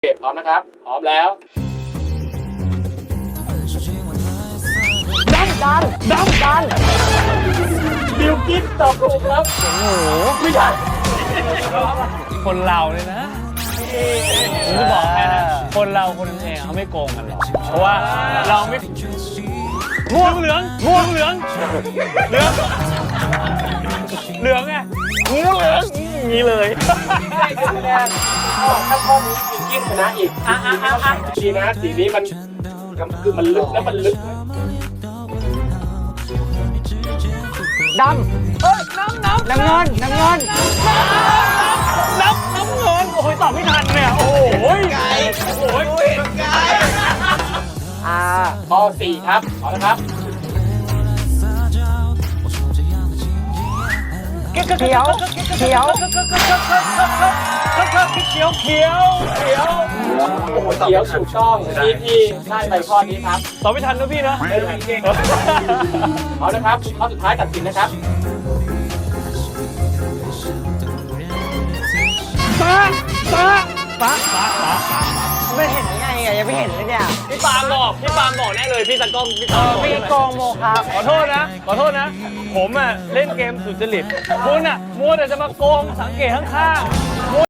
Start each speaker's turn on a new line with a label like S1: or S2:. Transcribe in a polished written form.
S1: พร้อมนะครับ พร้อมแล้วดันบิวกิ้นตอบถูกครับโอ้โหไม่ใช่
S2: คนเราเนี่ยนะผมจะบอกแค่นะคนเราคนนึงเองเขาไม่โกงกันหรอกเพราะว่าเราไม่ม่วงเหลืองเหลืองไงงี้ก็เหลืองงี้เลย
S1: ได้คะแนนถ้าข้อนี้บิวกิ้นชนะอีกดีนะสีนี้มันคือมันลึกแล้วมันลึก
S3: ดำน้ำเงิน
S2: น้ำเงินโอ้ยตอบไม่ทันเนี่ยโอ้ยไก่โอ้ยไก่
S1: ข้อ4ครับเอาละครับ
S3: เขียว
S1: เขียวถูกต้องพี่ได้ไปข้อนี้ครับ
S2: ตอบไม่ทันนะพี่นะ
S1: เอาละครับข้อสุดท้ายตัดสินนะครับ
S2: ป้า
S3: ไม่เห็นไงอ่ะยังไม่เห็นเลยเนี่ย
S2: พี่ปาล์มบอกแน่เลยพี่ตากล้องพี่ตา
S3: พี่โกงโมครับ
S2: ขอโทษนะผมอ่ะเล่นเกมสุจริตคุณอ่ะมัวแต่จะมาโกงสังเกตข้างๆ